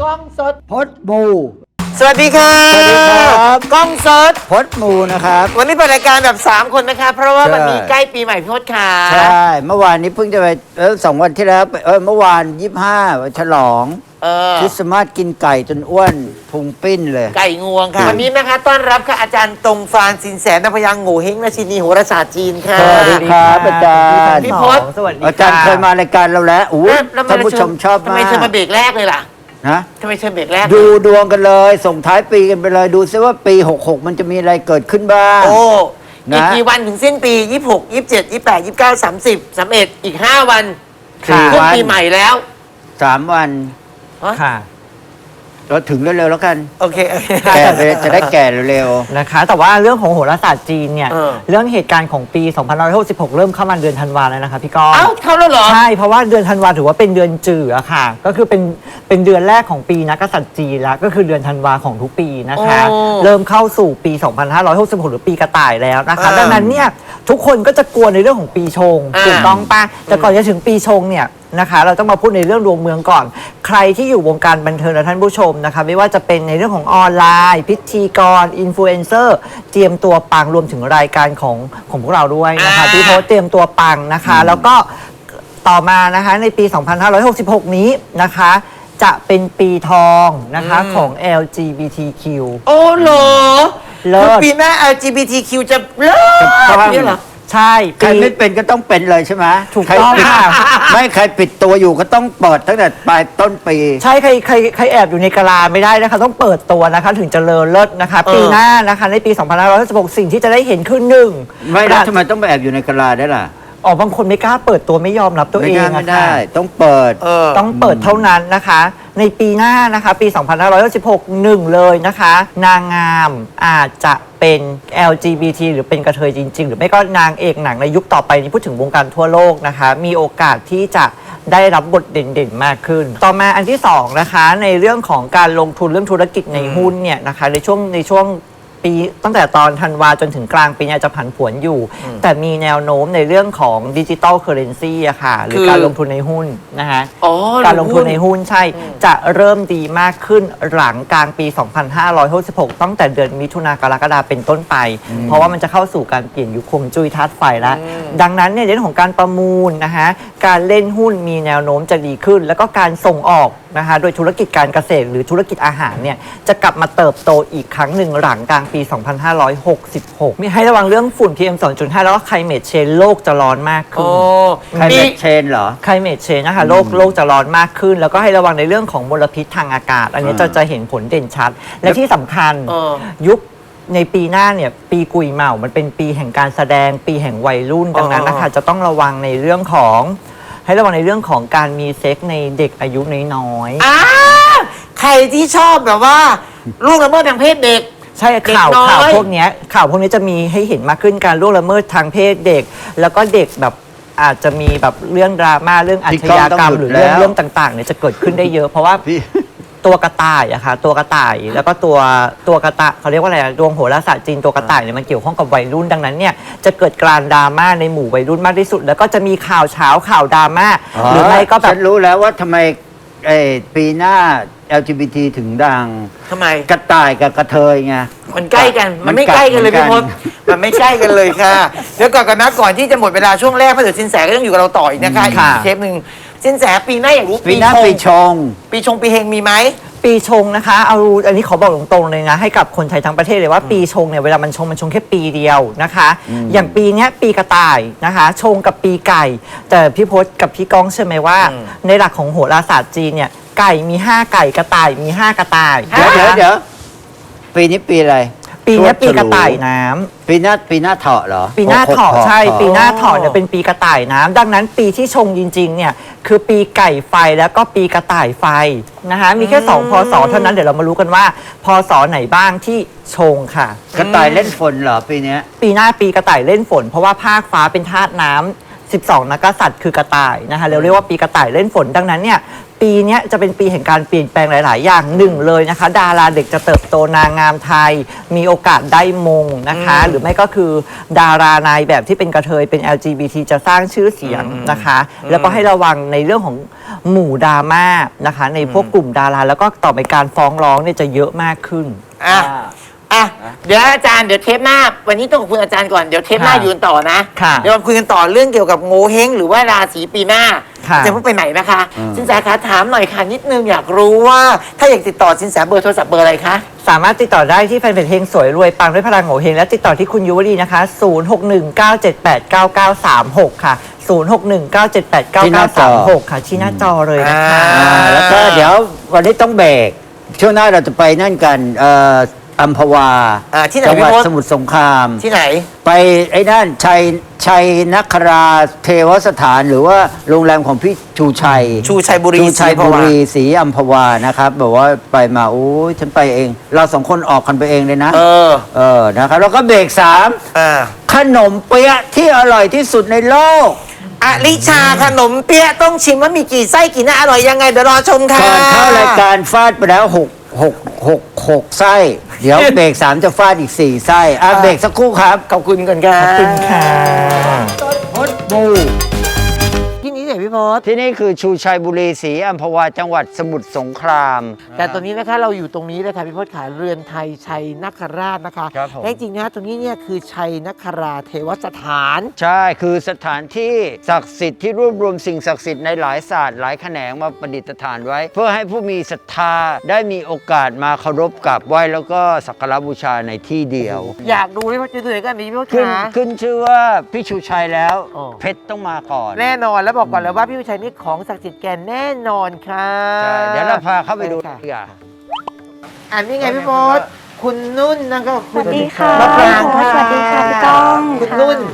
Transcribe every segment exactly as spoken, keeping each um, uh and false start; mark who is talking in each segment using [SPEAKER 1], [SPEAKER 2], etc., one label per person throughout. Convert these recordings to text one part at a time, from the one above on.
[SPEAKER 1] กล้องสด
[SPEAKER 2] พดมู
[SPEAKER 1] สวัสดีค่ะ
[SPEAKER 2] สวัสดีครับ
[SPEAKER 1] กล้องสด
[SPEAKER 2] พดมูนะครับ
[SPEAKER 1] วันนี้เปิดรายการแบบสามคนนะคะเพราะว่า
[SPEAKER 2] ใช่
[SPEAKER 1] วันนี้ใกล้ปีใหม่พี่พศค่ะ
[SPEAKER 2] ใช่เมื่อวานนี้เพิ่งจะไปเออสองวันที่แล้วไปเออเมื่อวานยี่สิบห้าฉลอง
[SPEAKER 1] เออ
[SPEAKER 2] คริสต์มาสกินไก่จนอ้วนพุงปิ้นเลย
[SPEAKER 1] ไก่งวงค่ะวันนี้นะคะต้อนรับค่ะอาจารย์ตรงฟานสินแสนพยังโง่เฮงราชินีโหราศาสตร์จีนค่ะ
[SPEAKER 2] สวัสดีครับอาจารย์
[SPEAKER 1] พี่พศ
[SPEAKER 3] สวัสดี
[SPEAKER 2] อาจารย์เคยมารายการเราแล้วอู้
[SPEAKER 1] แล้ว
[SPEAKER 2] ท่านผู้ชมชอบ
[SPEAKER 1] ทำ
[SPEAKER 2] มา
[SPEAKER 1] ไมเชิญมาก เบรกแรกเลยล่ะ
[SPEAKER 2] นะ
[SPEAKER 1] ทำไมเชิญเบรกแรก
[SPEAKER 2] ดูดวงกันเลย ส่งท้ายปีกันไปเลยดูซิว่าปีหกหกมันจะมีอะไรเกิดขึ้นบ้าง
[SPEAKER 1] โอ้
[SPEAKER 2] นะ
[SPEAKER 1] อีกกี่วันถึงสิ้นปียี่สิบหก ยี่สิบเจ็ด ยี่สิบแปด ยี่สิบเก้า สามสิบ สามสิบเอ็ดอีกห้าวัน
[SPEAKER 2] สี่
[SPEAKER 1] ขึ้น
[SPEAKER 2] วัน
[SPEAKER 1] ปีใหม่แล้ว
[SPEAKER 2] สามวัน
[SPEAKER 1] ฮะ
[SPEAKER 3] ค่ะ
[SPEAKER 2] เราถึงเร็วๆแล้วกัน
[SPEAKER 1] โอเคโอเค
[SPEAKER 2] แก่ไปจะได้แก่เร็ว
[SPEAKER 3] นะคะ แต่ว่าเรื่องของโหราศาสตร์จีนเนี่ย
[SPEAKER 1] เออ
[SPEAKER 3] เรื่องเหตุการณ์ของปี สองพันห้าร้อยหกสิบหก เริ่มเข้ามาเดือนธันวาแล้วนะคะพี่ก้อง
[SPEAKER 1] เอ้าเข้าแล้วเหรอ
[SPEAKER 3] ใช่ เพราะว่าเดือนธันวาถือว่าเป็นเดือนจืดอะค่ะ ก็คือเป็นเป็นเดือนแรกของปีนักกษัตริย์จีนแล้ว ก็คือเดือนธันวาของทุกปีนะคะ
[SPEAKER 1] โอ้
[SPEAKER 3] เริ่มเข้าสู่ปี สองพันห้าร้อยหกสิบหก หรือปีกระต่ายแล้วนะคะ
[SPEAKER 1] อ่า
[SPEAKER 3] ดังนั้นเนี่ยทุกคนก็จะกลัวในเรื่องของปีชง
[SPEAKER 1] อ่า
[SPEAKER 3] ถูกต้องปะแต่ก่อนจะถึงปีชงเนี่ยนะคะ เราต้องมาพูดในเรื่องดวงเมืองก่อน ใครที่อยู่วงการบันเทิงและท่านผู้ชมนะคะ ไม่ว่าจะเป็นในเรื่องของออนไลน์ พิธีกรอินฟลูเอนเซอร์เตรียมตัวปังรวมถึงรายการของของพวกเราด้วยนะคะ
[SPEAKER 1] อ่า
[SPEAKER 3] ที่โพสต์เตรียมตัวปังนะคะ แล้วก็ต่อมานะคะในปี สองพันห้าร้อยหกสิบหก นี้นะคะ จะเป็นปีทองนะคะของ แอล จี บี ที คิว
[SPEAKER 1] โอ้โห
[SPEAKER 3] เลิศ
[SPEAKER 1] คือปีหน้า แอล จี บี ที คิว จะเลิศ
[SPEAKER 2] จะปัง
[SPEAKER 1] เนี่ยเหรอ
[SPEAKER 3] ใช่
[SPEAKER 2] ๆ ใคร
[SPEAKER 3] ปี
[SPEAKER 2] ไม่เป็นก็ต้องเป็นเลยใช่ไหม
[SPEAKER 3] ถูก
[SPEAKER 2] ใคร
[SPEAKER 3] ต้อง
[SPEAKER 2] ปิด
[SPEAKER 3] ค่ะ
[SPEAKER 2] ไม่ใครปิดตัวอยู่ก็ต้องเปิดตั้งแต่ปลายต้นปี
[SPEAKER 3] ใช่ใครใครใครแอบอยู่ในกะลาไม่ได้นะคะต้องเปิดตัวนะคะถึงจะเลอเลิศนะคะ
[SPEAKER 1] เออ
[SPEAKER 3] ปีหน้านะคะในปี สองพันห้าร้อยหกสิบหก สิ่งที่จะได้เห็นคือหนึ่ง
[SPEAKER 2] ไม่แล้วทำไมต้องไปแอบอยู่ในกะลาได้ล่ะ
[SPEAKER 3] อ๋อบางคนไม่กล้าเปิดตัวไม่ยอมรับตัว
[SPEAKER 2] ไม่
[SPEAKER 3] เอง
[SPEAKER 2] ได้ไม่
[SPEAKER 3] อะ
[SPEAKER 2] ได้
[SPEAKER 3] ค่ะ
[SPEAKER 2] ต้องเปิด
[SPEAKER 1] เออ
[SPEAKER 3] ต้องเปิดเท่านั้นนะคะ ในปีหน้านะคะปี สองพันห้าร้อยหกสิบหก หนึ่งเลยนะคะ นางงามอาจจะเป็น แอล จี บี ที หรือเป็นกระเทยจริง ๆ หรือไม่ก็นางเอกหนังในยุคต่อไปนี้พูดถึงวงการทั่วโลกนะคะ มีโอกาสที่จะได้รับบทเด่นๆ มากขึ้น ต่อมาอันที่สองนะคะในเรื่องของการลงทุนเรื่องธุรกิจในหุ้นเนี่ยนะคะในช่วงในช่วงปีตั้งแต่ตอนธันวาจนถึงกลางปีเนี่ยจะผันผวนอยู่ แต่มีแนวโน้มในเรื่องของดิจิตอลเคอเรนซีอะค่ะหรือ
[SPEAKER 1] คือ
[SPEAKER 3] การลงทุนในหุ้นนะคะ
[SPEAKER 1] อ๋อ
[SPEAKER 3] การลงทุนในหุ้นใช่ จะเริ่มดีมากขึ้นหลังกลางปี สองพันห้าร้อยหกสิบหก ตั้งแต่เดือนมิถุนากรกฎาเป็นต้นไป เพราะว่ามันจะเข้าสู่การเปลี่ยนยุคคงจุ้ยธาตุไฟแล้ว ดังนั้นเนี่ยในเรื่องของการประมูลนะคะการเล่นหุ้นมีแนวโน้มจะดีขึ้น แล้วก็การส่งออกนะคะโดยธุรกิจการเกษตรหรือธุรกิจอาหารเนี่ยจะกลับมาเติบโตอีกครั้งหนึ่งหลังกลางปี สองพันห้าร้อยหกสิบหก มีให้ระวังเรื่องฝุ่น พี เอ็ม สองจุดห้า แล้วก็ไคลเมทเชนโลกจะร้อนมากขึ้
[SPEAKER 1] โอ้
[SPEAKER 3] น
[SPEAKER 2] ใคร
[SPEAKER 1] ปี
[SPEAKER 2] เป็นเชนเหรอ
[SPEAKER 3] ไคลเมทเชนนะคะโลกโลกจะร้อนมากขึ้น แล้วก็ให้ระวังในเรื่องของมลพิษทางอากาศ อันนี้
[SPEAKER 2] อ่า
[SPEAKER 3] จะจะเห็นผลเด่นชัด และที่สำคัญ
[SPEAKER 1] เออ
[SPEAKER 3] ยุคในปีหน้าเนี่ยปีกุยเหมามันเป็นปีแห่งการแสดงปีแห่งวัยรุ่นดังนั้นนะคะจะต้องระวังในเรื่องของให้ระวังในเรื่องของการมีเซ็กในเด็กอายุน้อยๆ
[SPEAKER 1] อ้าใครที่ชอบแบบว่าลูกละเมิดทางเพศเด็ก
[SPEAKER 3] ใช่
[SPEAKER 1] เด็ก
[SPEAKER 3] ข่าว
[SPEAKER 1] น้อย
[SPEAKER 3] ข่าวพวกเนี้ยข่าวพวกนี้จะมีให้เห็นมากขึ้นการล่วงละเมิดทางเพศเด็ก แล้วก็เด็กแบบอาจจะมีแบบเรื่องดราม่าเรื่องอาชญากรรม
[SPEAKER 2] พี่ก้องต้องหยุด
[SPEAKER 3] หรือเรื่อง
[SPEAKER 2] แล้ว
[SPEAKER 3] เรื่องต่างๆเนี่ยจะเกิดขึ้นได้เยอะ เพราะว่า
[SPEAKER 2] พี่
[SPEAKER 3] ตัวกระต่ายอะค่ะตัวกระต่ายแล้วก็ตัวตัวกระต่ายเขาเรียกว่าอะไรอะดวงโหราศาสตร์จีนตัวกระต่ายเนี่ยมันเกี่ยวข้องกับวัยรุ่นดังนั้นเนี่ยจะเกิดการดราม่าในหมู่วัยรุ่นมากที่สุด แล้วก็จะมีข่าวเช้าข่าวดราม่าหรือไม่ก็แบ
[SPEAKER 2] ฉั
[SPEAKER 3] บ
[SPEAKER 2] นรู้แล้วว่าทำไมเอ่อปีหน้า แอล จี บี ที ถึงดัง
[SPEAKER 1] ทำไม
[SPEAKER 2] กระต่ายกับกระเทยไง
[SPEAKER 1] มันใกล้กัน
[SPEAKER 2] มั
[SPEAKER 1] มัน
[SPEAKER 2] น
[SPEAKER 1] ไม่ใกล้กันเลย
[SPEAKER 2] กัด
[SPEAKER 1] พี่พศ
[SPEAKER 2] เหมือนกัน
[SPEAKER 1] มันไม่ใกล้กันเลยค่ะ เดี๋ยวก่อนกันนะก่อนที่จะหมดเวลาช่วงแรกพระเดชสินแสก็ต้องอยู่กับเราต่ออีกนะคะอีก
[SPEAKER 3] ค่ะ
[SPEAKER 1] เทปหนึ่งสินแสปีหน้าอยากรู้
[SPEAKER 2] ปีหน้าปีชง
[SPEAKER 1] ปีชงปีเฮงมีไหม
[SPEAKER 3] ปีชงนะคะเอาอันนี้ขอบอกตรงๆเลยนะให้กับคนไทยทั้งประเทศเลยว่าปีชงเนี่ยเวลามันชงมันชงแค่ปีเดียวนะคะ อย่างปีเนี้ยปีกระต่ายนะคะ ชงกับปีไก่ แต่พี่พศกับพี่ก้องเชื่อไหมว่า
[SPEAKER 1] อืม
[SPEAKER 3] ในหลักของโหราศาสตร์จีนเนี่ยไก่มีห้าไก่กระต่ายมีห้ากระต่าย
[SPEAKER 2] เดี๋ยวเดี๋ยวเดี๋ยวปีนี้ปีอะไร
[SPEAKER 3] ปีเนี้ย
[SPEAKER 2] ชวด
[SPEAKER 3] ปีกระต่าย
[SPEAKER 2] ฉลู
[SPEAKER 3] น้ำ
[SPEAKER 2] ปีหน้าปีหน้าเถาะเหรอ
[SPEAKER 3] ปีหน้าเถาะ
[SPEAKER 2] หกหก
[SPEAKER 3] ใช่
[SPEAKER 2] เถาะ
[SPEAKER 3] ปีหน้าเถาะเนี่ยเป็นปีกระต่ายน้ำดังนั้นปีที่ชงจริงๆเนี่ยคือปีไก่ไฟแล้วก็ปีกระต่ายไฟนะคะมีแค่สองพศเท่านั้นเดี๋ยวเรามารู้กันว่าพศไหนบ้างที่ชงค่ะ
[SPEAKER 2] กระต่ายเล่นฝนเหรอปีเนี้ย
[SPEAKER 3] ปีหน้าปีกระต่ายเล่นฝน เพราะว่าภาคฟ้าเป็นธาตุน้ำสิบสองนักกษัตริย์คือกระต่ายนะคะเราเรียกว่าปีกระต่ายเล่นฝนดังนั้นเนี่ยปีเนี้ยจะเป็นปีแห่งการเปลี่ยนแปลงหลาย ๆ อย่างหนึ่งเลยนะคะ ดาราเด็กจะเติบโตนางงามไทย มีโอกาสได้มงนะคะ หรือไม่ก็คือดารานายแบบที่เป็นกระเทยเป็น แอล จี บี ที จะสร้างชื่อเสียงนะคะ แล้วก็ให้ระวังในเรื่องของหมู่ดราม่านะคะ ในพวกกลุ่มดาราแล้วก็ต่อไปการฟ้องร้องเนี่ยจะเยอะมากขึ้น
[SPEAKER 1] อ่ะอ่ะเดี๋ยวอาจารย์เดี๋ยวเทปหน้าวันนี้ต้องขอบคุณอาจารย์ก่อนเดี๋ยวเทปหน้า
[SPEAKER 3] ค่ะ
[SPEAKER 1] อยู่กันต่อนะ
[SPEAKER 3] ค่ะ
[SPEAKER 1] เดี๋ยวมาคุยกันต่อเรื่องเกี่ยวกับโงเฮงหรือว่าราศีปีหน้า
[SPEAKER 3] ค่ะ
[SPEAKER 1] จะเพิ่งไปไหนนะคะ
[SPEAKER 2] อืม
[SPEAKER 1] สินแสคะถามหน่อยค่ะนิดนึงอยากรู้ว่าถ้าอยากติดต่อสินแสเบอร์โทรศัพท์เบอร์อะไรคะ
[SPEAKER 3] สามารถติดต่อได้ที่แฟนเพจเฮงสวยรวยปังด้วยพลังโง่เฮงและติดต่อที่คุณยุวดีนะคะ ศูนย์ หก หนึ่ง เก้า เจ็ด แปด เก้า เก้า สาม หก ค่ะ ศูนย์ หก หนึ่ง เก้า เจ็ด แปด เก้า เก้า สาม หก ค่ะชี้หน้าจอเลยนะคะ
[SPEAKER 1] อ่า
[SPEAKER 2] อ่าแล้วก็เดี๋ยววันนี้ต้องเบรกช่วงหน้าเราจะไปนั่นกันเอ่ออัมพวา
[SPEAKER 1] อ่าที่ไหน
[SPEAKER 2] จังหวัด
[SPEAKER 1] พี่มด
[SPEAKER 2] สมุทรสงคราม
[SPEAKER 1] ที่ไหน
[SPEAKER 2] ไปไอ้นั่นชัยชัยนคราเทวสถานหรือว่าโรงแรมของพี่ชูชัย
[SPEAKER 1] ชูชัยบุรี
[SPEAKER 2] ชูชัย
[SPEAKER 1] ศรีอัมพ
[SPEAKER 2] บุ
[SPEAKER 1] วา
[SPEAKER 2] รีศรีอัมพวานะครับแบบว่าไปมาโอ้ยฉันไปเอง เราสองคนออกกันไปเองเลยนะ
[SPEAKER 1] เออ
[SPEAKER 2] เออนะครับแล้วก็เบรกสาม
[SPEAKER 1] อ่า
[SPEAKER 2] ขนมเปี๊ยะที่อร่อยที่สุดในโลก
[SPEAKER 1] อลิชาขนมเปี๊ยะต้องชิมว่ามีกี่ไส้กี่หน้าอร่อยยังไงเดี๋ยวรอชมค่ะ
[SPEAKER 2] ก่อนเข้ารายการฟาดไปแล้วหกหกหกหกไส้ เดี๋ยวเบรกสามจะฟาดอีกสี่ไส้อ่ะเบรกสักครู่ครับ
[SPEAKER 1] ขอบคุณก่อนค่ะ
[SPEAKER 3] ขอบคุณค่ะ
[SPEAKER 2] พดบู
[SPEAKER 1] ที่นี้เนี่ยพี่พศ
[SPEAKER 2] ที่นี่คือชูชัยบุรีศรีอัมพวาจังหวัดสมุทรสงคราม
[SPEAKER 1] แต่ตอนนี้นะคะเราอยู่ตรงนี้เลยค่ะพี่พศขาเรือนไทยชัยนคราชนะคะ
[SPEAKER 2] ครับผม
[SPEAKER 1] และจริงๆนะตรงนี้เนี่ยคือชัยนคราเทวสถาน
[SPEAKER 2] ใช่ คือสถานที่ศักดิ์สิทธิ์ที่รวบรวมสิ่งศักดิ์สิทธิ์ในหลายศาสตร์หลายแขนงมาประดิษฐานไว้ เพื่อให้ผู้มีศรัทธาได้มีโอกาสมาเคารพกราบไหว้แล้วก็สักการะบูชาในที่เดียว
[SPEAKER 1] อยากดูพี่พศจะดูไหนกันนี้พี่พศ
[SPEAKER 2] ขึ้น
[SPEAKER 1] ขา
[SPEAKER 2] ขึ้นชื่อว่าพี่ชูชัยแล้ว
[SPEAKER 1] อ๋อ
[SPEAKER 2] เพชรต้องมาก่อน
[SPEAKER 1] แน่นอนแล้วบอกก่อนเลยว่าพี่วิชัยนี่ของศักดิ์สิทธิ์แกแน่นอนค่ะ
[SPEAKER 2] ใช่เดี๋ยวเราพาเข้าไปดู
[SPEAKER 1] ค่ะ
[SPEAKER 2] ดีกว่า
[SPEAKER 1] อันนี้ไงพี่พศคุณนุ่นนั่นก็คุณ
[SPEAKER 4] สวัสดีค่ะ
[SPEAKER 1] มะปรางค่ะ
[SPEAKER 4] สวัสดีค่ะพี่ก้อง
[SPEAKER 1] คุณ
[SPEAKER 4] ค่ะ
[SPEAKER 1] นุ่น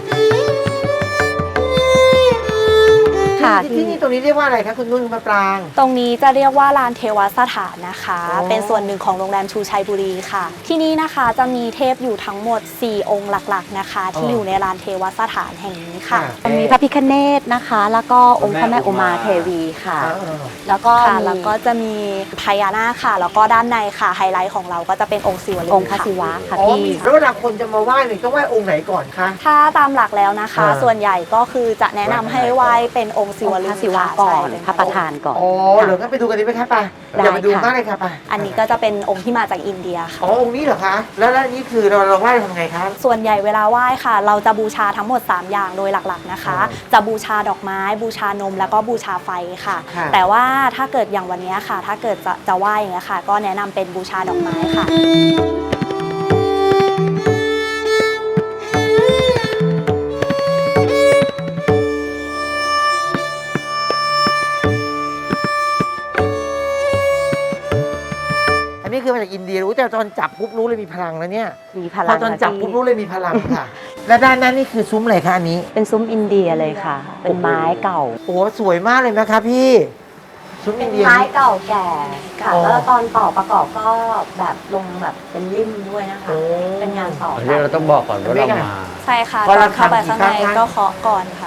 [SPEAKER 4] ค่ะ
[SPEAKER 1] ที่ที่นี่ตรงนี้เรียกว่าอะไรคะคุณนุ่นมะปราง
[SPEAKER 4] ตรงนี้จะเรียกว่าลานเทวสถานนะคะ
[SPEAKER 1] อ๋อ
[SPEAKER 4] เป็นส่วนหนึ่งของโรงแรมชูชัยบุรีค่ะ ที่นี่นะคะจะมีเทพอยู่ทั้งหมด สี่ องค์หลักๆนะคะ ที่อยู่ในลานเทวสถานแห่งนี้ค่ะ
[SPEAKER 5] มีพระพิฆเนศนะคะ แล้วก็องค์พระแม่อุมาเทวีค่ะ แล้วก็
[SPEAKER 4] ค่ะ
[SPEAKER 5] มี
[SPEAKER 4] แล้วก็จะมีพญานาคค่ะ แล้วก็ด้านในค่ะไฮไลท์ของเราก็จะเป็นองค์ศิวลึง
[SPEAKER 5] องค์พระ
[SPEAKER 4] ค่ะ
[SPEAKER 5] ศิวะค่ะ
[SPEAKER 1] อ๋อ
[SPEAKER 5] พี่
[SPEAKER 1] มีแล้วเวลาคนจะมาไหว้เนี่ยต้องไหว้องค์ไหนก่อนคะ
[SPEAKER 4] ถ้าตามหลักแล้วนะคะ
[SPEAKER 1] อ่า
[SPEAKER 4] ส่วนใหญ่ก็คือจะแนะนำให้ไหว้เป็นองค์ศิ
[SPEAKER 5] อง
[SPEAKER 4] ว
[SPEAKER 5] ค์
[SPEAKER 4] ลึ
[SPEAKER 5] พ
[SPEAKER 4] ง
[SPEAKER 5] ระศิวะ
[SPEAKER 4] ค่
[SPEAKER 5] ก่อน
[SPEAKER 4] ใช่
[SPEAKER 5] พระประธานก่อน
[SPEAKER 1] อ๋อเหรองั้นไปดูกันดีไหมคะไป
[SPEAKER 5] ได้
[SPEAKER 1] เดี๋ยวไปดู
[SPEAKER 5] ค่ะ
[SPEAKER 1] มากเลยค่ะไป
[SPEAKER 4] อันนี้ก็จะเป็นองค์ที่มาจากอินเดียค่ะ
[SPEAKER 1] อ๋อองค์นี้เหรอคะแล้วแล้วนี่คือเราเราไหว้ทำไงคะ
[SPEAKER 4] ส่วนใหญ่เวลาไหว้ค่ะ เราจะบูชาทั้งหมด สาม อย่างโดยหลักๆนะคะ
[SPEAKER 1] อ๋อ
[SPEAKER 4] จะบูชาดอกไม้ บูชานม แล้วก็บูชาไฟค่ะ
[SPEAKER 1] ค่ะ
[SPEAKER 4] แต่ว่าถ้าเกิดอย่างวันนี้ค่ะ ถ้าเกิดจะจะไหว้อย่างเงี้ยค่ะ ก็แนะนำเป็นบูชาดอกไม้ค่ะ
[SPEAKER 1] อันนี้คือมาจากอินเดียรู้แต่ตอนจับปุ๊บรู้เลยมีพลังแล้วเนี่ย
[SPEAKER 5] มีพ
[SPEAKER 1] พ
[SPEAKER 5] ลั
[SPEAKER 1] อง ตอนจับ
[SPEAKER 5] ค่ะ
[SPEAKER 1] ปุ๊บ
[SPEAKER 5] พี่
[SPEAKER 1] รู้เลยมีพลังค่ะ และด้านนั้นนี่คือซุ้มอะไรคะอันนี้
[SPEAKER 5] เป็นซุ้มอินเดียเลยค่ะ เป็นไม้เก่า
[SPEAKER 1] โอ้สวยมากเลยนะคะพี่ ซุ้ม
[SPEAKER 5] เป็
[SPEAKER 1] อิ
[SPEAKER 5] น
[SPEAKER 1] นเดีย
[SPEAKER 5] ไม้
[SPEAKER 1] นี่
[SPEAKER 5] เก่าแก่ค่ะ
[SPEAKER 1] อ๋อ
[SPEAKER 5] แล้วตอนต่อประกอบก็แบบลงแบบเป็นริมด้วยนะคะ
[SPEAKER 1] โอ้
[SPEAKER 5] เป็นงานต่อ
[SPEAKER 2] อันนี้เราต้องบอกก่อนว่าเรามา
[SPEAKER 4] ใช่ค่ะ
[SPEAKER 1] พอ
[SPEAKER 4] ต
[SPEAKER 1] เรา
[SPEAKER 4] อนเข้าไป
[SPEAKER 1] ทำ
[SPEAKER 4] ข้างใน
[SPEAKER 1] กี่ครั้งคะ
[SPEAKER 4] ก็เคาะก่อนค่ะ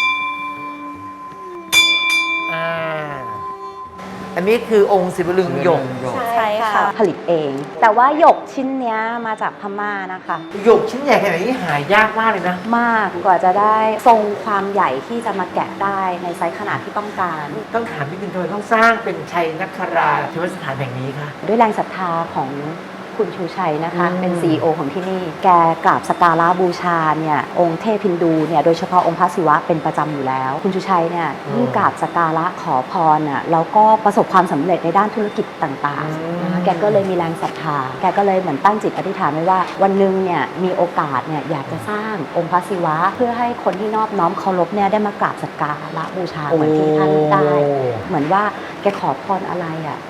[SPEAKER 1] อ่าอันนี้คือองค์ศิวลึงหยก
[SPEAKER 4] ใช่ค่ะ
[SPEAKER 5] ผลิตเอง แต่ว่าหยกชิ้นเนี้ยมาจากพม่านะคะ
[SPEAKER 1] หยกชิ้นใหญ่ขนาดนี้หายากมากเลยนะ
[SPEAKER 5] มากกว่าจะได้ทรงความใหญ่ที่จะมาแกะได้ในไซส์ขนาดที่ต้องการ
[SPEAKER 1] ต้องถามพี่คุณทำไมต้องสร้างเป็นชัยนคราเทวสถานแห่งนี้คะ
[SPEAKER 5] ด้วยแรงศรัทธาของคุณชูชัยนะคะ
[SPEAKER 1] อืม
[SPEAKER 5] เป็น ซี อี โอ ของที่นี่ แกกราบสกการะบูชาเนี่ยองค์เทพฮินดูเนี่ยโดยเฉพาะองค์พระศิวะเป็นประจำอยู่แล้ว คุณชูชัยเนี่ยยิ่งกราบสกการะขอพรน่ะแล้วก็ประสบความสำเร็จในด้านธุรกิจต่างๆนะคะแกก็เลยมีแรงศรัทธาแกก็เลยเหมือนตั้งจิตอธิษฐานไว้ว่าวันหนึ่งเนี่ยมีโอกาสเนี่ยอยากจะสร้างองค์พระศิวะ เพื่อให้คนที่นอบน้อมเคารพเนี่ยได้มากราบสกการะบูชาเหมือนที่ท่านได้ เหมือนว่าแกขอพรอะไรอ่ะ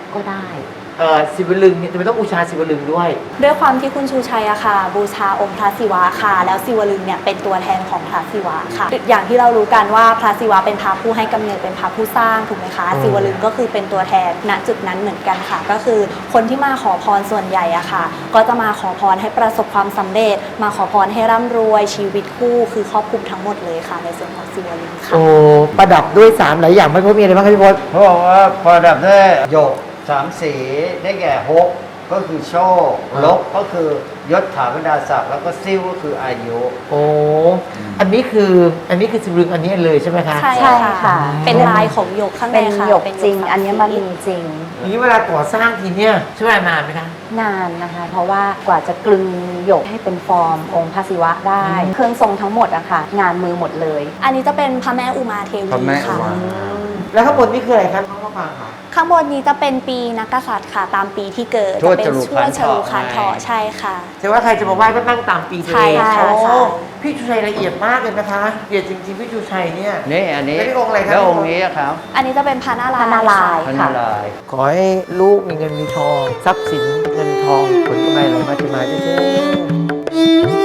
[SPEAKER 5] ก็ได้
[SPEAKER 1] เอ่อศิวลึงเนี่ยทำไมต้องบูชาศิวลึงด้วย
[SPEAKER 4] ด้วยความที่คุณชูชัยอะค่ะ บูชาองค์พระศิวะค่ะ แล้วศิวลึงเนี่ยเป็นตัวแทนของพระศิวะค่ะ อย่างที่เรารู้กันว่าพระศิวะเป็นพระผู้ให้กำเนิดเป็นพระผู้สร้างถูกไหมคะ
[SPEAKER 1] อืม
[SPEAKER 4] ศิวลึงก็คือเป็นตัวแทนณจุดนั้นเหมือนกันค่ะ ก็คือคนที่มาขอพรส่วนใหญ่อะค่ะ ก็จะมาขอพรให้ประสบความสำเร็จ มาขอพรให้ร่ำรวยชีวิตคู่คือครอบคลุมทั้งหมดเลยค่ะ ในส่วนของศิวลึงค่ะ
[SPEAKER 1] โอ้ประดับด้วยสามหลายอย่างไม่พบมีอะไรบ้างครับพี่พศ
[SPEAKER 2] เขาบอกว่าประดับด้วยหยกสามสีได้แก่ฮกก็คือโชค
[SPEAKER 1] อ่า
[SPEAKER 2] ลกก็คือยศถาบรรดาศักดิ์แล้วก็ซิ่วก็คืออายุ
[SPEAKER 1] โอ้อันนี้คืออันนี้คือศิวลึงอันนี้เลยใช่ไหมคะ
[SPEAKER 4] ใช่
[SPEAKER 5] ใช่ค่ะ
[SPEAKER 4] เป็นลายของหยกข้างใน
[SPEAKER 5] เป็น
[SPEAKER 4] ค่ะ
[SPEAKER 5] หยก
[SPEAKER 4] เป็น
[SPEAKER 5] จริง
[SPEAKER 4] ศักดิ์
[SPEAKER 5] อัญมณีจริง
[SPEAKER 1] อย่างนี้เวลาก่อสร้างทีเนี่ยใช้เวลานานไหมคะ
[SPEAKER 5] นานนะคะ เพราะว่ากว่าจะกลึงหยกให้เป็นฟอร์มองค์พระศิวะได้
[SPEAKER 1] อืม
[SPEAKER 5] เครื่องทรงทั้งหมดอะค่ะ งานมือหมดเลย
[SPEAKER 4] อันนี้จะเป็นพระแม่อุมาเทวี
[SPEAKER 2] พระแม่อุ
[SPEAKER 4] ค่ะ
[SPEAKER 2] มา
[SPEAKER 1] แล้วข้างบนนี่คืออะไรครับน้องมะปรางค่ะ
[SPEAKER 4] ข้างบนนี้จะเป็นปีนักกษัตริย์ค่ะ ตามปีที่เกิด
[SPEAKER 2] ทวด
[SPEAKER 4] จะเป็น
[SPEAKER 2] จรุ
[SPEAKER 4] ช่ว
[SPEAKER 2] ขั
[SPEAKER 4] ย
[SPEAKER 2] น
[SPEAKER 4] ฉลู
[SPEAKER 2] เถาะ
[SPEAKER 4] คันเถาะ
[SPEAKER 2] ไง
[SPEAKER 4] ใช่ค่ะ
[SPEAKER 1] แต่ว่าใครจะมาไหว้ก็นั่งตามปีตัว
[SPEAKER 4] ใช่
[SPEAKER 1] เอง
[SPEAKER 4] ค่ะ
[SPEAKER 1] โอ้
[SPEAKER 4] ใช่
[SPEAKER 1] พี่ชูชัยละเอียดมากเลยนะคะละเอียดจริงๆพี่ชูชัยเนี่ย
[SPEAKER 2] นี่อันนี้
[SPEAKER 1] แล้วนี่องค์อะไรครับ
[SPEAKER 2] แล้วองค์นี้ครับ
[SPEAKER 4] อันนี้จะเป็นพระนารายณ์
[SPEAKER 5] พระนารายณ์
[SPEAKER 2] พระ
[SPEAKER 5] ค่ะ
[SPEAKER 2] นารายณ์
[SPEAKER 1] ขอให้ลูกมีเงินมีทองทรัพย์สินเงินทองผลกำไรไหลมาเทมาเรื่อย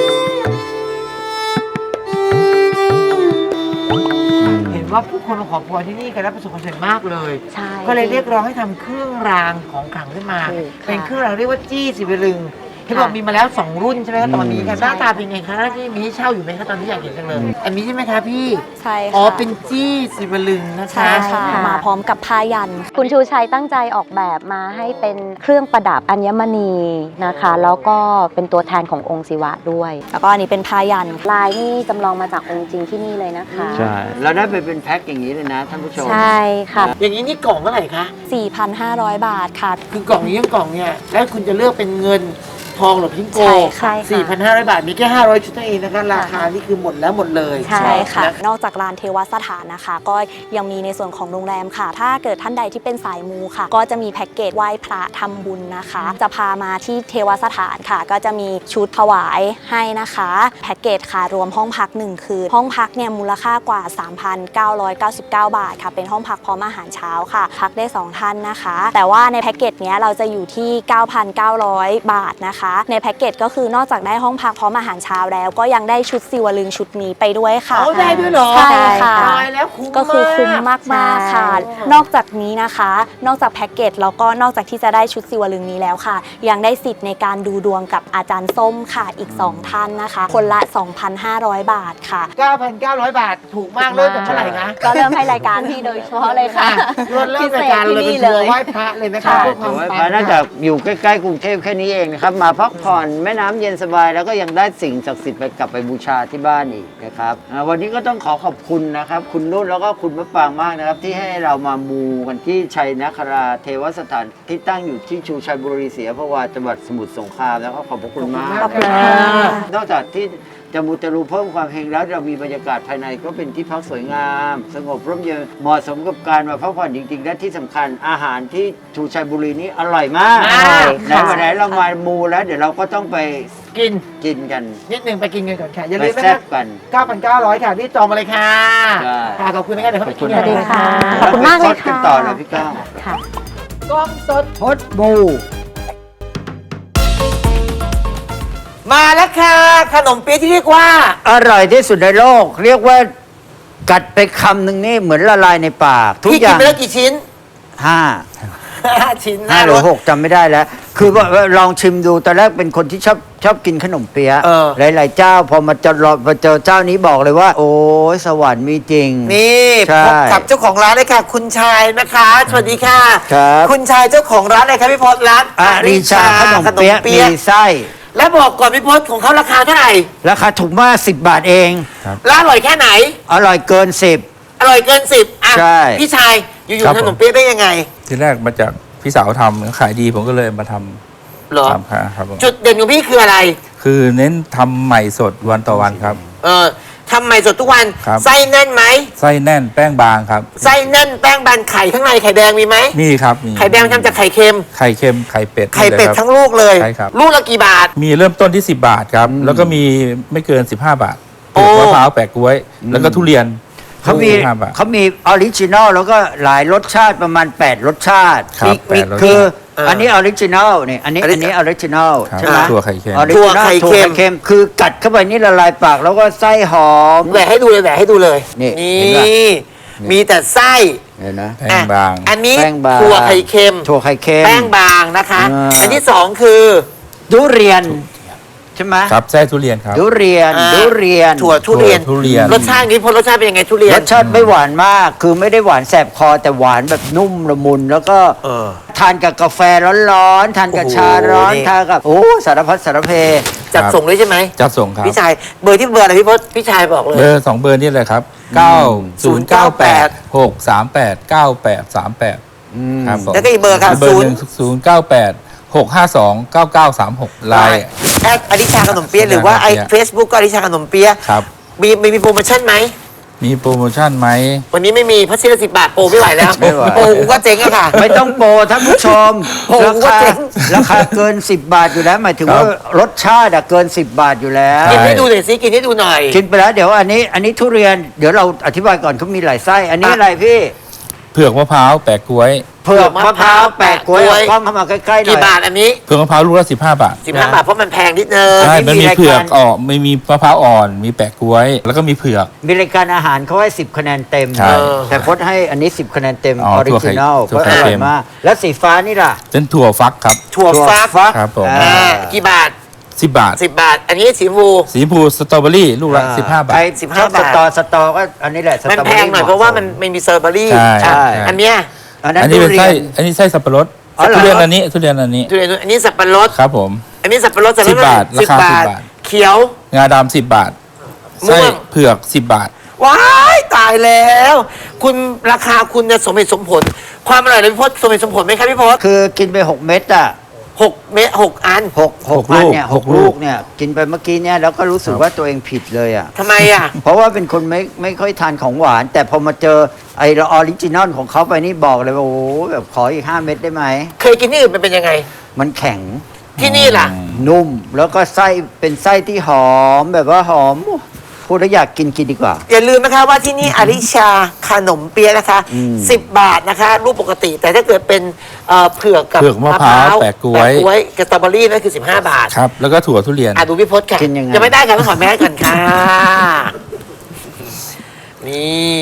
[SPEAKER 1] ๆเห็นว่าผู้คนมาขอพรที่นี่กันแล้วประสบความสำเร็จมากเลย
[SPEAKER 5] ใช่
[SPEAKER 1] ก็เลยเรียกร้องให้ทำเครื่องรางของขลังขึ้นมา
[SPEAKER 5] ถูกค่ะ
[SPEAKER 1] เป็นเครื่องรางเรียกว่าจี้สิวลึงที่
[SPEAKER 5] ค่ะ
[SPEAKER 1] บอกมีมาแล้วสองรุ่นใช่ไหมคะตอนนี้ค่ะห
[SPEAKER 5] ใช่
[SPEAKER 1] น้าตาเป็นไงคะหน้าที่มีให้เช่าอยู่ไหมคะตอนนี้อยากเห็นจังเลย อันนี้ใช่ไหมคะพี่
[SPEAKER 4] ใช่ค่ะ
[SPEAKER 1] อ๋อเป็นจี้สิวลึงนะคะ
[SPEAKER 4] ใช่ค่ะ
[SPEAKER 5] ค่ะ
[SPEAKER 4] มาพร้อมกับผ้ายัน
[SPEAKER 5] คุณชูชัยตั้งใจออกแบบมาให้เป็นเครื่องประดับอัญมณีนะคะ แล้วก็เป็นตัวแทนขององค์ศิวะด้วย
[SPEAKER 4] แล้วก็อันนี้เป็นผ้ายัน
[SPEAKER 5] ลายนี่จำลองมาจากองค์จริงที่นี่เลยนะคะ
[SPEAKER 2] ใช่ เราได้ไปเป็นแพ็คอย่างนี้เลยนะท่านผู้ชม
[SPEAKER 5] ใช่ค่ะ
[SPEAKER 1] อย่างนี้นี่กล่องเท่าไหร่คะ
[SPEAKER 4] สี่พันห้าร้อย บาทค่ะ
[SPEAKER 1] คือกล่องนี้ยังกล่องเนี่ยแล้วคุณจะเลือกเป็นเงินทองหรือพิงโก
[SPEAKER 4] ใช่ค่ะ
[SPEAKER 5] ใช่ค่ะ
[SPEAKER 1] สี่พันห้าร้อยบาทมีแค่ห้าร้อยชุดเท่านั้นเองนะคะราคานี่คือหมดแล้วหมดเลย
[SPEAKER 5] ใช่
[SPEAKER 4] ใช่ค่ะ
[SPEAKER 1] น
[SPEAKER 4] นอกจากลานเทวสถานนะคะ ก็ยังมีในส่วนของโรงแรมค่ะ ถ้าเกิดท่านใดที่เป็นสายมูค่ะ ก็จะมีแพ็กเกจไหว้พระทำบุญนะคะ จะพามาที่เทวสถานค่ะ ก็จะมีชุดถวายให้นะคะแพ็กเกจค่ะรวมห้องพักหนึ่งคืนห้องพักเนี่ยมูลค่ากว่า สามพันเก้าร้อยเก้าสิบเก้า บาทค่ะเป็นห้องพักพร้อมอาหารเช้าค่ะ พักได้สองท่านนะคะ แต่ว่าในแพ็กเกจเนี้ยเราจะอยู่ที่ เก้าพันเก้าร้อย บาทนะคะ ในแพ็กเกจก็คือนอกจากได้ห้องพักพร้อมอาหารเช้าแล้ว ก็ยังได้ชุดศิวลึงชุดนี้ไปด้วยค่ะ
[SPEAKER 1] เอาได้ด้วยเหรอ
[SPEAKER 4] ใช่ค่ะ
[SPEAKER 1] ตายแล้วคุ้ม
[SPEAKER 4] ก็คือคุ้มมากมากๆค่ะ
[SPEAKER 1] ใช่
[SPEAKER 4] นอกจากนี้นะคะ นอกจากแพ็กเกจแล้วก็นอกจากที่จะได้ชุดศิวลึงนี้แล้วค่ะ ยังได้สิทธิ์ในการดูดวงกับอาจารย์ส้มค่ะอีกสองท่านนะคะ คนละ สองพันห้าร้อย บาทค่ะ
[SPEAKER 1] เก้าพันเก้าร้อยบาทถูกมากเริ่มจากเท่าไหร่คะ
[SPEAKER 5] ก็เริ่มให้รายการพี่โดยเฉพาะเลยค่ะ
[SPEAKER 1] อ่ะเริ่มเริ่มรายการเลยเป็นทัวร์ไหว้พระเลยนะคะ
[SPEAKER 5] ค่ะ
[SPEAKER 1] เพื่อความ
[SPEAKER 2] ถือว่า
[SPEAKER 1] ปัง
[SPEAKER 2] พระน่าจะอยู่ใกล้ๆกรุงเทพแค่นี้เองนะครับ มาพักผ่อนแม่น้ำเย็นสบายแล้วก็ยังได้สิ่งศักดิ์สิทธิ์ไปกลับไปบูชาที่บ้านอีกนะครับอ่าวันนี้ก็ต้องขอขอบคุณนะครับ คุณนุ่นแล้วก็คุณมะปรางมากนะครับ ที่ให้เรามามูกันที่ชัยนคราเทวสถานที่ตั้งอยู่ที่ชูชัยบุรีศรีอยุธยาจังหวัดสมุทรสงครามแล้วก็ขอบพระคุณมาก
[SPEAKER 1] ขอบคุณ
[SPEAKER 2] นะ
[SPEAKER 1] ค่ะ
[SPEAKER 2] ครับนอกจากที่จะมูเตลูเพิ่มความเฮงแล้วเรามีบรรยากาศภายในก็เป็นที่พักสวยงาม สงบร่มเย็นเหมาะสมกับการมาพักผ่อนจริงๆ และที่สำคัญอาหารที่ชูชัยบุรีนี้อร่อยมาก
[SPEAKER 1] อร่อย
[SPEAKER 2] ไหนวันไหนเรามามูแล้วเดี๋ยวเราก็ต้องไป
[SPEAKER 1] กิน
[SPEAKER 2] กินกัน
[SPEAKER 1] นิดนึงไปกินกันก่อนค่ะ อย่า
[SPEAKER 2] ไป
[SPEAKER 1] ลืมนะ
[SPEAKER 2] แซ่
[SPEAKER 1] คะ
[SPEAKER 2] บกัน
[SPEAKER 1] เก้าพันเก้าร้อยค่ะที่จองมาเลยค่ะ
[SPEAKER 2] ใช่
[SPEAKER 1] ค่ะขอบคุณนะคะเดี๋ยวเขาไปกิน
[SPEAKER 2] ขอบ
[SPEAKER 1] กั
[SPEAKER 2] คุ
[SPEAKER 1] น
[SPEAKER 2] ณ
[SPEAKER 1] ค่ะ
[SPEAKER 5] ขอบคุณมากเลย
[SPEAKER 2] แวไปซดกัน
[SPEAKER 5] ค่ะ
[SPEAKER 2] ต่อเลยพี่ก้าว
[SPEAKER 5] ค่ะ
[SPEAKER 1] กล้องสด
[SPEAKER 2] พดบู
[SPEAKER 1] มาแล้วค่ะ ขนมเปี๊ยะที่เรียกว่า
[SPEAKER 2] อร่อยที่สุดในโลก เรียกว่ากัดไปคำหนึ่งนี่เหมือนละลายในปาก ทุก
[SPEAKER 1] พี่
[SPEAKER 2] อ
[SPEAKER 1] กิน
[SPEAKER 2] ย่าง
[SPEAKER 1] ไปแล้วกี่ชิ้น
[SPEAKER 2] ห้า
[SPEAKER 1] ห้าชิ้น
[SPEAKER 2] ห้าหรือ
[SPEAKER 1] รส
[SPEAKER 2] หกจำไม่ได้แล้ว คือว่าลองชิมดูตอนแรกเป็นคนที่ชอบชอบกินขนมเปี๊ยะ
[SPEAKER 1] เออ
[SPEAKER 2] หลาย ๆ เจ้า พอมาเจอมาเจอเจ้านี้บอกเลยว่า โอ้ยสวรรค์มีจริง
[SPEAKER 1] นี่
[SPEAKER 2] ใช่
[SPEAKER 1] พบกับเจ้าของร้านเลยค่ะ คุณชายนะคะ สวัสดีค่ะ
[SPEAKER 2] ครับ
[SPEAKER 1] คุณชายเจ้าของร้านอะไรครับพี่พศร้าน
[SPEAKER 2] อาริชาขนมเปี๊ยะมีไส้
[SPEAKER 1] แล้วบอกก่อนพี่พศของเขาราคาเท่าไหร่
[SPEAKER 2] ราคาถูกมากสิบบาทเอง
[SPEAKER 1] แล้วอร่อยแค่ไหน
[SPEAKER 2] อร่อยเกินสิบ
[SPEAKER 1] อร่อยเกินสิบอ่ะ
[SPEAKER 2] ใช่
[SPEAKER 1] พี่ชายอยู่
[SPEAKER 6] ครับ
[SPEAKER 1] ๆข
[SPEAKER 6] ผม
[SPEAKER 1] นมเปี๊ยะได้ยังไง
[SPEAKER 6] ทีแรกมาจากพี่สาวทำขายดีผมก็เลยมาท
[SPEAKER 1] เหรอ
[SPEAKER 6] ำทำครับผม
[SPEAKER 1] จุดเด่นของพี่คืออะไร
[SPEAKER 6] คือเน้นทำใหม่สดวันต่อวันครับ
[SPEAKER 1] เออทำใหม่สดทุกวัน
[SPEAKER 6] ครับ
[SPEAKER 1] ไส้แน่นไหม
[SPEAKER 6] ไส้แน่นแป้งบางครับ
[SPEAKER 1] ไส้แน่นแป้งบานไข่ข้างในไข่แดงมีไหม
[SPEAKER 6] มีครับมี
[SPEAKER 1] ไข่แดงทำจากไข่เค็ม
[SPEAKER 6] ไข่เค็มไข่เป็ด
[SPEAKER 1] ไข่เป็ด
[SPEAKER 6] นี่ลยครับ
[SPEAKER 1] ทั้งลูกเลย
[SPEAKER 6] ใช่ครับ
[SPEAKER 1] ลูกละกี่บาท
[SPEAKER 6] มีเริ่มต้นที่ สิบบาทครับ แล้วก็มีไม่เกิน สิบห้า บาท
[SPEAKER 1] โอ้
[SPEAKER 6] มะพร้าวแปะกล้วย แล้วก็ทุเรียน
[SPEAKER 2] ขเขามี
[SPEAKER 6] ห้าบาท
[SPEAKER 2] เขามีออริจินอลแล้วก็หลายรสชาติประมาณ แปด รสชาติ
[SPEAKER 6] ครับ
[SPEAKER 2] มี
[SPEAKER 6] แปดรสชาติ
[SPEAKER 2] คืออันนี้ออริจินอลนี่อันนี้
[SPEAKER 7] อันนี้
[SPEAKER 2] อันนี้ออริจินอล
[SPEAKER 6] ครับ
[SPEAKER 2] ใช่ไหม
[SPEAKER 6] ถั่วไข่เค็ม
[SPEAKER 2] ออริจินอล
[SPEAKER 7] ถั่วไข่เค็ม
[SPEAKER 2] ถั่วไข่เค็มคือกัดเข้าไปนี่ละลายปากแล้วก็ไส้หอม
[SPEAKER 7] แหวกให้ดูเลยแหวกให้ดูเลย
[SPEAKER 2] นี่
[SPEAKER 7] นี่
[SPEAKER 2] เห็นปะ
[SPEAKER 7] มีแต่ไส้
[SPEAKER 2] เห็นนะ
[SPEAKER 6] แป้งบาง
[SPEAKER 7] อ่ะอันนี้
[SPEAKER 2] แป้งบาง
[SPEAKER 7] ถั่วไข่เค็ม
[SPEAKER 2] ถั่วไข่เค็ม
[SPEAKER 7] แป้งบางนะคะ
[SPEAKER 2] อ่า
[SPEAKER 7] อันที่สองคือ
[SPEAKER 2] ทุเรียนใช่ไหม
[SPEAKER 6] ครับไส้ทุเรียนครับ
[SPEAKER 2] ทุเรียน
[SPEAKER 7] อ่า
[SPEAKER 2] ทุเรียน
[SPEAKER 7] ถั่วทุเรียน
[SPEAKER 6] ทุเรียน
[SPEAKER 7] รสชาตินี้พลรสชาติเป็นยังไงทุเรียน
[SPEAKER 2] รสชาติไม่หวานมาก คือไม่ได้หวานแสบคอแต่หวานแบบนุ่มละมุน แล้วก็
[SPEAKER 7] เออ
[SPEAKER 2] ทานกับกาแฟร้อนๆทานกับ
[SPEAKER 7] โอ้โห
[SPEAKER 2] ชาร้อน
[SPEAKER 7] นี่
[SPEAKER 2] ทานกับโอ้สารพัดสารเพ
[SPEAKER 7] จัดส่งด้วยใช่ไหม
[SPEAKER 6] จัดส่งครับ
[SPEAKER 7] พี่ชายเบอร์ที่เบอร์อะไรพี่พศพี่ชายบอกเลย
[SPEAKER 6] เบอร์สองเบอร์นี่เลยครับเก้าศูนย์เก้าแปดหกสามแปดเก้าแปดสามแปดครับผม
[SPEAKER 7] แล้วก็อีกเบอร์ครับ
[SPEAKER 6] เบอร์หนึ่งศูนย์เก้าแปดหกห้าสองเก้าเก้าสามหกไลน์
[SPEAKER 7] แอดอดิชาขนมเปี๊ยะหรือว่าไอเฟซบุ๊กก็อดิชาขนมเปี๊ยะ
[SPEAKER 6] ครับ
[SPEAKER 7] มีมีมีโปรโมชั่นไหม
[SPEAKER 6] มีโปรโมชั่นไหม
[SPEAKER 7] วันนี้ไม่มีเพราะชิ้นละสิบบาทโปรไม่ไหวแล้ว
[SPEAKER 2] ไม่ไหว
[SPEAKER 7] โปรกูก็เจ๊งอะค่ะ
[SPEAKER 2] ไม่ต้องโปรท่านผู้ชม
[SPEAKER 7] โอ้โห
[SPEAKER 2] ราคา
[SPEAKER 7] เจ๋ง
[SPEAKER 2] ราคาเกิน สิบบาทอยู่แล้ว หมายถึง
[SPEAKER 6] ครับ
[SPEAKER 2] ว่ารสชาติอะเกิน สิบบาทอยู่แล้ว
[SPEAKER 6] ใช่
[SPEAKER 7] กินให้ดูหน่อยสิกินให้ดูหน่อย
[SPEAKER 2] กินไปแล้วเดี๋ยวอันนี้อันนี้ทุเรียนเดี๋ยวเราอธิบายก่อนเขามีหลายไส้ อันนี้
[SPEAKER 7] อ่ะ
[SPEAKER 2] อะไรพี่
[SPEAKER 6] เผือกมะพร้าวแปะกล้วย
[SPEAKER 2] เผือกมะพร้าวแปะกล้วย
[SPEAKER 7] แปะกล้วย
[SPEAKER 2] เอากล้องเข้ามาใกล้ๆหน่
[SPEAKER 7] กี่
[SPEAKER 2] อย
[SPEAKER 7] บาทอันนี้
[SPEAKER 6] เผือกมะพร้าวลูกละสิบห้าบาท
[SPEAKER 7] สิบห้าบาทเพราะมันแพงนิดนึง
[SPEAKER 6] ใช่
[SPEAKER 2] อันนี้
[SPEAKER 6] มันมี
[SPEAKER 2] มีรายการ
[SPEAKER 6] เผือกอ่อนไม่มีมะพร้าวอ่อน มีแปะกล้วย แล้วก็มีเผือก
[SPEAKER 2] มีรายการอาหารเขาให้สิบคะแนนเต็ม
[SPEAKER 6] ใช่
[SPEAKER 2] แต่พจน์ให้อันนี้สิบคะแนนเต็มอ
[SPEAKER 6] อ๋อ
[SPEAKER 2] อริจินอล
[SPEAKER 6] ถั่
[SPEAKER 2] เพ
[SPEAKER 6] ว
[SPEAKER 2] ราะ
[SPEAKER 6] ไข่
[SPEAKER 2] อร่อ
[SPEAKER 6] เค็
[SPEAKER 2] ย
[SPEAKER 6] ม
[SPEAKER 2] มาก แล้วสีฟ้านี่ล่ะ
[SPEAKER 6] เป็นถั่วฟักครับ
[SPEAKER 7] ถั่วฟัก
[SPEAKER 2] ฟัก
[SPEAKER 6] ครับผม
[SPEAKER 2] อ่า
[SPEAKER 7] อ่ากี่บาท
[SPEAKER 6] สิบบาท
[SPEAKER 7] สิบบาท อันนี้สีชมพู
[SPEAKER 6] สีชมพูสตรอเบอรี่ลูกละสิบห้าบาท
[SPEAKER 2] ใคร
[SPEAKER 7] สิบ
[SPEAKER 2] ช
[SPEAKER 7] ห้า
[SPEAKER 2] อบส
[SPEAKER 7] บาท
[SPEAKER 2] ตอสตอก็อันนี้แหละส
[SPEAKER 7] มัน
[SPEAKER 2] ตอเบ
[SPEAKER 7] แพ
[SPEAKER 2] อรี่
[SPEAKER 7] งหน่อยเพราะว่ามันไม่มีสตรอเบอรี่
[SPEAKER 6] ใช่
[SPEAKER 2] ใช่
[SPEAKER 7] อันเนี้ย
[SPEAKER 2] อันนั้น
[SPEAKER 6] อันนี้
[SPEAKER 2] ทุ
[SPEAKER 6] เป็น
[SPEAKER 2] เรี
[SPEAKER 6] ไส้
[SPEAKER 2] ยน
[SPEAKER 6] อันนี้ไส้สับปะรด
[SPEAKER 2] อ๋อเหรอ
[SPEAKER 6] ทุเรียนอันนี้ทุเรียนอันนี้
[SPEAKER 7] ทุเรียนอันนี้สับปะรด
[SPEAKER 6] ครับผม
[SPEAKER 7] อันนี้สับปะรดสับปะรด
[SPEAKER 6] สิบบาท
[SPEAKER 7] สิบ
[SPEAKER 6] ราคา
[SPEAKER 7] บาท
[SPEAKER 6] สิบบาท
[SPEAKER 7] เขียว
[SPEAKER 6] งาดำสิบบาท
[SPEAKER 7] ม่วง
[SPEAKER 6] ไส้เผือกสิบบาท
[SPEAKER 7] ว้ายตายแล้ว คุณราคาคุณเนี่ยสมเหตุสมผล ความอร่อยเลยพี่พศสมเหตุสมผลไหมครับพี่พศ
[SPEAKER 2] คือกินไปหกเม็ดอ่ะ
[SPEAKER 7] หกเมตรหกอัน
[SPEAKER 2] หกหก
[SPEAKER 6] หก
[SPEAKER 2] อัน
[SPEAKER 6] ลูก
[SPEAKER 2] เนี่ยห
[SPEAKER 6] ห
[SPEAKER 2] ก
[SPEAKER 6] กลู
[SPEAKER 2] ลู
[SPEAKER 6] ก
[SPEAKER 2] กเนี่ยกินไปเมื่อกี้เนี่ยแล้วก็รู้สึกว่าตัวเองผิดเลยอ่ะ
[SPEAKER 7] ทำไมอ่ะ
[SPEAKER 2] เพราะว่าเป็นคนไม่ไม่ค่อยทานของหวาน แต่พอมาเจอไอออริจินอลของเขาไปนี่บอกเลยว่าโอ้โหแบบขออีกห้าเม็ดได้ไหม
[SPEAKER 7] เคยกินที่อื่นมันเป็นยังไง
[SPEAKER 2] มันแข็ง
[SPEAKER 7] ที่นี่ล่ะ
[SPEAKER 2] นุ่มแล้วก็ไส้เป็นไส้ที่หอมแบบว่าหอมพูดแล้วอยากกินกินดีกว่า
[SPEAKER 7] อย่าลืมนะคะว่าที่นี่อาริชาขนมเปี๊ยะนะคะ
[SPEAKER 2] อืม
[SPEAKER 7] สิบบาทนะคะ รูปปกติ แต่ถ้าเกิดเป็นเอ่อเผือกกับ
[SPEAKER 6] เผือกมะพร้าวแปะกล้วย
[SPEAKER 7] แปะกล้วยกับสตรอเบอรี่นั่นคือสิบห้าบาท
[SPEAKER 6] ครับ แล้วก็ถั่วทุเรียน
[SPEAKER 7] อ่ะดูพี่พศค่ะ
[SPEAKER 2] กินยังไง
[SPEAKER 7] ยังไม่ได้ค่ะต้องขอแม่ก่อนค่ะ นี่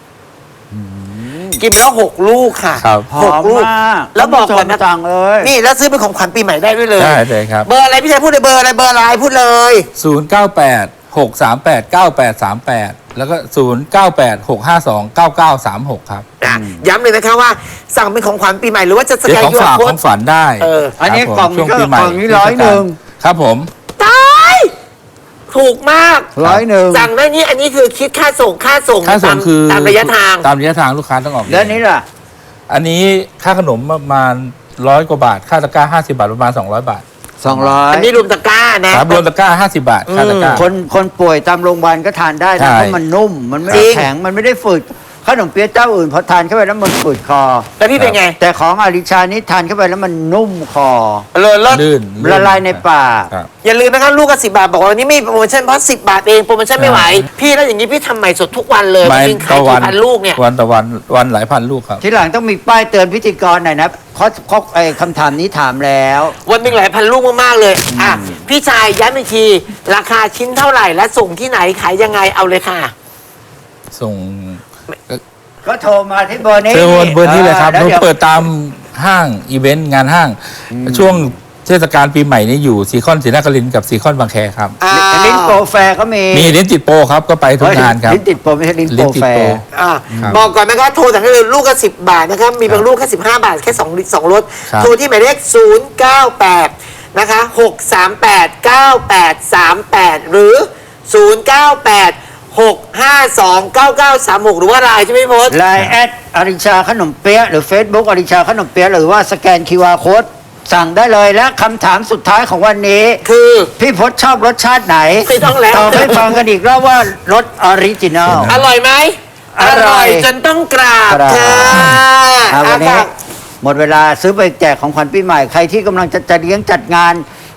[SPEAKER 7] กินไปแล้วหกลูกค่ะ
[SPEAKER 6] ครับ
[SPEAKER 2] ห
[SPEAKER 7] ห
[SPEAKER 2] อก ม
[SPEAKER 7] ลูก
[SPEAKER 2] มาก
[SPEAKER 7] แล้วบอกก่อนนะ
[SPEAKER 2] จังเลย
[SPEAKER 7] นี่แล้วซื้อเป็นของขวัญปีใหม่ได้ด้วยเลย
[SPEAKER 6] ได้เลยครับ
[SPEAKER 7] เบอร์อะไรพี่ชายพูดเลยเบอร์อะไรเบอร์อะไรพูดเลย
[SPEAKER 6] ศูนย์เก้าแปดหกสามแปดเก้าแปดสามแปดแล้วก็ศูนย์เก้าแปดหกห้าสองเก้าเก้าสามหกครับ
[SPEAKER 7] อ่ะย้ำเลยนะคะว่าสั่งเป็นของขวัญปีใหม่หรือว่าจะส
[SPEAKER 6] เดี๋ยว
[SPEAKER 7] แกน
[SPEAKER 6] ของ
[SPEAKER 7] ยู
[SPEAKER 6] ฝาก
[SPEAKER 7] โค้
[SPEAKER 6] ข
[SPEAKER 7] ด
[SPEAKER 6] องฝันได้
[SPEAKER 7] เออ
[SPEAKER 2] อันนี้
[SPEAKER 6] ครับผม
[SPEAKER 2] กล่องนี้ก็
[SPEAKER 6] ช่วปีใหม่
[SPEAKER 2] กล่องนี้ร้อยหนึ่ง
[SPEAKER 6] ครับผม
[SPEAKER 7] ตายถูกมาก
[SPEAKER 2] ร้อยหนึ่ง
[SPEAKER 7] สั่งได้นี่อันนี้คือคิดค่าส่งค่าส่ง
[SPEAKER 6] ค่าส่ง
[SPEAKER 7] ตม
[SPEAKER 6] คือ
[SPEAKER 7] ตามระยะทาง
[SPEAKER 6] ตามระยะทางลูกค้าต้องออกเอง
[SPEAKER 2] แล้วอันนี้ล่ะ
[SPEAKER 6] อันนี้ค่าขนมประมาณร้อยกว่าบาท ค่าตะกร้าห้าสิบาทประมาณสองร้อยบาท
[SPEAKER 2] สองร้อย
[SPEAKER 7] อันนี้รวมตะกร้านะครับ
[SPEAKER 6] รวมตะกร้าห้าสิบาทค่าตะกร้า
[SPEAKER 2] คนคนป่วยตามโรงพยาบาลก็ทานได้
[SPEAKER 6] ใช่
[SPEAKER 2] นะเพราะมันนุ่ม มันไม่ได้แข็ง มันไม่ได้ฝืดขนมเปี๊ยะเจ้าอื่นพอทานเข้าไปแล้วมันฝืดคอ
[SPEAKER 7] แล้วพี่เป็นไง
[SPEAKER 2] แต่ของอาริชานี่ทานเข้าไปแล้วมันนุ่มคอ
[SPEAKER 7] เลยลด
[SPEAKER 6] ลื่น
[SPEAKER 2] ละลายในปาก
[SPEAKER 6] ครับ
[SPEAKER 7] อย่าลืมนะครับลูกก็สิบบาทบอกว่าวันนี้ไม่มีโปรโมชั่นเพราะสิบบาทเองโปรโมชั่นไม่ไหว พี่แล้วอย่างนี้พี่ทำใหม่สดทุกวันเลย
[SPEAKER 6] ไม่
[SPEAKER 7] จริงๆขาย
[SPEAKER 6] ต่อวั
[SPEAKER 7] กี่พันลูกเนี่ย
[SPEAKER 6] วันต่อวันวันหลายพันลูกครับ
[SPEAKER 2] ทีหลังต้องมีป้ายเตือนพิธีกรหน่อยนะเพราะเพราะไอ้คำถามนี้ถามแล้ว
[SPEAKER 7] วันหนึ่งหลายพันลูกมากๆเลยอ่ะพี่ชายย้ำอีกทีราคาชิ้นเท่าไหร่และส่งที่ไหนขายยังไงเอาเลยค่ะ
[SPEAKER 6] ส่ง
[SPEAKER 2] ก็โทรมาที่เบอร์นี้
[SPEAKER 6] เซลล์เบอร์นี้เลยครับ
[SPEAKER 2] แล้ว
[SPEAKER 6] เรา
[SPEAKER 2] เดี๋ยว
[SPEAKER 6] เปิดตามห้างอีเวนต์งานห้าง ช่วงเทศกาลปีใหม่นี้อยู่ซีคอนศรีนครินทร์กับซีคอนบางแคครับ
[SPEAKER 7] อ่า
[SPEAKER 2] ลิ้นโปรแฟร์ก็มี
[SPEAKER 6] มีลิ้นติดโปรครับก็ไปทุกงานครับ
[SPEAKER 2] ลิ้นติดโปรไม่ใช่ลิ้นโป
[SPEAKER 6] ลิ้
[SPEAKER 2] ร
[SPEAKER 6] นติด
[SPEAKER 2] แฟ
[SPEAKER 6] โปร
[SPEAKER 2] ร์
[SPEAKER 7] อ่ะ
[SPEAKER 6] ครับ
[SPEAKER 7] บอกก่อนนะครับโทรสั่งได้เลยลูกก็สิบบาทนะครับมีบางลูกแค่สิบห้าบาทแค่สองสองรถ
[SPEAKER 6] ครับ
[SPEAKER 7] โทรที่หมายเลขศูนย์เก้าแปดนะคะหกสามแปดเก้าแปดสามแปดหรือศูนย์เก้าแปดหกห้าสองเก้าเก้าสามหกหรือว่าไลน์ใช่ไหมพี่พศ
[SPEAKER 2] ไลน์แอดอาริชาขนมเปี๊ยะหรือ Facebook อาริชาขนมเปี๊ยะหรือว่าสแกน คิว อาร์ Code สั่งได้เลยและคำถามสุดท้ายของวันนี้
[SPEAKER 7] คือ
[SPEAKER 2] พี่พศชอบรสชาติไหน
[SPEAKER 7] ไม่ต้องแล้ว
[SPEAKER 2] ตอบให้ฟังกันอีกรอบว่ารสออริจินัล
[SPEAKER 7] อร่อยไหม
[SPEAKER 2] อร่อย
[SPEAKER 7] จนต้องกราบ
[SPEAKER 2] กราบ
[SPEAKER 7] ค่ะ
[SPEAKER 2] อ่ะวันนี้
[SPEAKER 7] อ่ะ
[SPEAKER 2] หมดเวลาซื้อไปแจกของขวัญปีใหม่ ใครที่กำลังจะจะเลี้ยงจัดงาน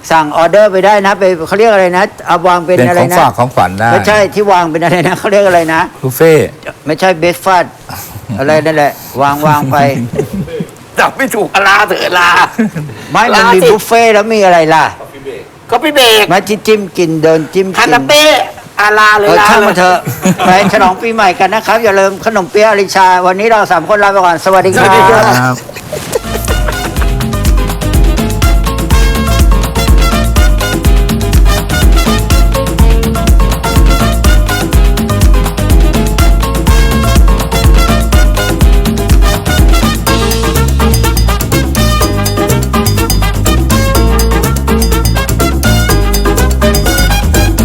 [SPEAKER 2] สั่งออเดอร์ไปได้นะไปเขาเรียกอะไรนะเอาวางเป็น
[SPEAKER 6] เป็น
[SPEAKER 2] อะไร
[SPEAKER 6] ของ
[SPEAKER 2] นะ
[SPEAKER 6] ฝากของขวัญได้
[SPEAKER 2] ไม่ใช่ที่วางเป็นอะไรนะเขาเรียกอะไรนะ
[SPEAKER 6] บุฟเฟ่ต์
[SPEAKER 2] ไม่ใช่เบสฟัดอะไรนั่นแหละ วางวางไป
[SPEAKER 7] จับไม่ถูกอลาเถอะอลา
[SPEAKER 2] ไม่มันมี
[SPEAKER 7] ลาสิ
[SPEAKER 2] บุฟเฟ่ต์แล้วมีอะไรล่ะ
[SPEAKER 7] ก็พี่เบรก
[SPEAKER 2] มาจิ้มกินเดินจิ้ม
[SPEAKER 7] คา
[SPEAKER 2] กิน
[SPEAKER 7] นาเป้อาลาเลย
[SPEAKER 2] เออ
[SPEAKER 7] ลา
[SPEAKER 2] ช่าง
[SPEAKER 7] เล
[SPEAKER 2] มาย เถอะไปฉลองปีใหม่กันนะครับ อย่าลืมขนมเปี๊ยะอริชา วันนี้เราสามคนลาไปก่อน สวัสดีค
[SPEAKER 7] สวัสดีครั
[SPEAKER 2] รับ
[SPEAKER 6] ครับ